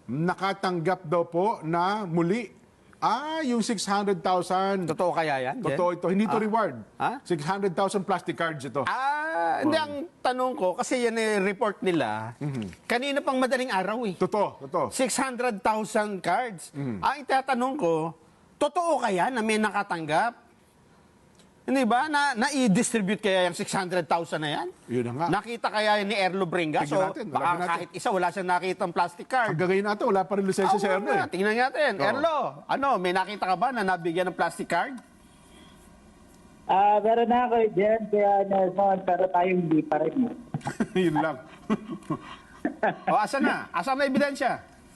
nakatanggap daw po na muli. Yung 600,000. Totoo kaya yan? Totoo ito. Hindi ito reward. 600,000 plastic cards ito. Hindi, ang tanong ko, kasi yan report nila, kanina pang madaling araw eh. Totoo. 600,000 cards. Ang itatanong ko, totoo kaya na may nakatanggap? Hindi ba? Na-i-distribute kaya yung 600,000 na yan? Yun na nga. Nakita kaya ni Erlo Bringa? Tingnan natin, baka natin. kahit isa, wala siyang nakitang plastic card. Hanggang ngayon natin, wala pa rin lisensya sa Erlo eh. Tingnan natin. Erlo, may nakita ka ba na nabigyan ng plastic card? Meron na ako dyan, kaya Nelson, pero tayo hindi pa rin. Yun lang. Asan na? Asan na ebidensya?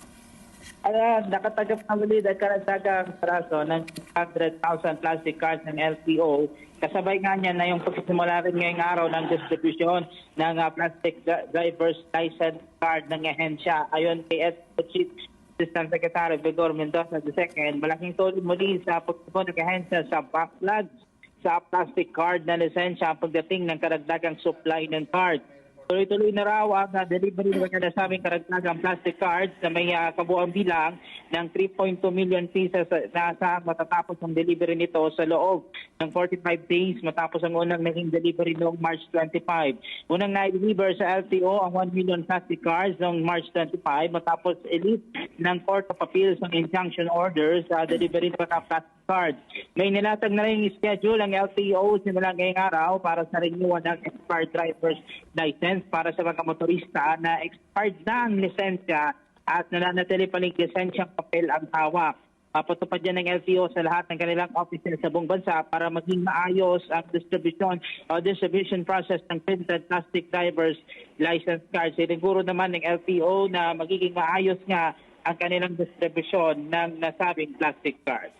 Nakatanggap na muli ng karagdagang peraso ng 100,000 plastic cards ng LTO. Kasabay nga niya na yung pagsisimula rin ngayong araw ng distribution ng plastic driver's license card ng ehensya. Ayon kay Chief Assistant Secretary Vigor Mendoza II, malaking tulong muli sa pagsisimula ng ehensya sa backlog sa plastic card na lisensya pagdating ng karagdagang supply ng card. Tuloy-tuloy na raw ang delivery ng nasabing karagdagang plastic cards na may kabuang bilang ng 3.2 million pieces na asahan matatapos ang delivery nito sa loob ng 45 days matapos ang unang naging delivery noong March 25. Unang na-deliver sa LTO ang 1 million plastic cards noong March 25 matapos elite ng Court of Appeals ng injunction orders sa delivery ng mga plastic cards. May nilatag na rin yung schedule ang LTO simula ngayong araw para sa renewal ng expired driver's license para sa mga motorista na expired na ang lisensya at nananatili pa rin lisensyang papel ang hawak. Papatupad yan ng LTO sa lahat ng kanilang offices sa buong bansa para maging maayos ang distribution process ng printed plastic driver's license cards. Siniguro naman ng LTO na magiging maayos nga ang kanilang distribution ng nasabing plastic cards.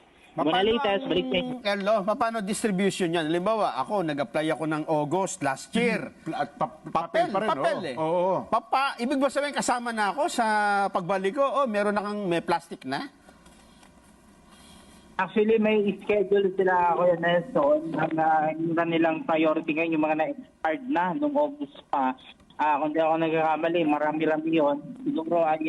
Erlo, paano distribution yan? Halimbawa, ako, nag-apply ako ng August last year. At papel pa rin. Papel eh. Oo. Ibig ba sabihin, kasama na ako sa pagbalik ko? Meron na kang may plastic na? Actually, may schedule sila, Kuya Nelson, yung nilang priority ngayon, yung mga na-expired na noong August pa. Kung di ako nagkakamali, marami-rami yun. Siguro ay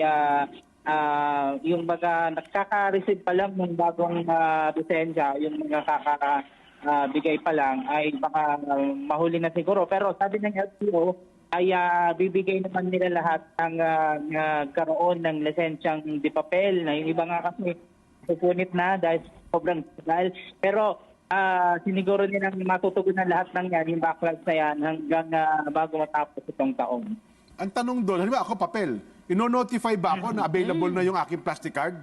yung mga nagkaka-receive pa lang ng bagong lisensya, yung mga bigay pa lang, ay baka mahuli na siguro. Pero sabi ng LTO, ay bibigay naman nila lahat ng karoon ng lisensyang di papel. Na yung iba nga kasi pupunit na dahil sobrang tagal. Pero siniguro nilang matutugunan lahat ng yan, yung backlog na yan, hanggang bago matapos itong taon. Ang tanong doon, halimbawa ako papel, ino-notify ba ako na available na yung aking plastic card?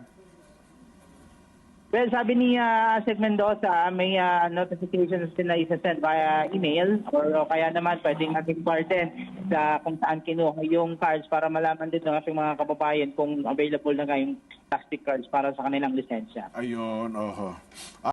Well, sabi ni Asek Mendoza, may notifications sila isa-send via email o kaya naman pwedeng nating pardon sa kung saan kinuha yung cards para malaman din ng ating mga kababayan kung available na nga yung plastic cards para sa kanilang lisensya. Ayun, oho.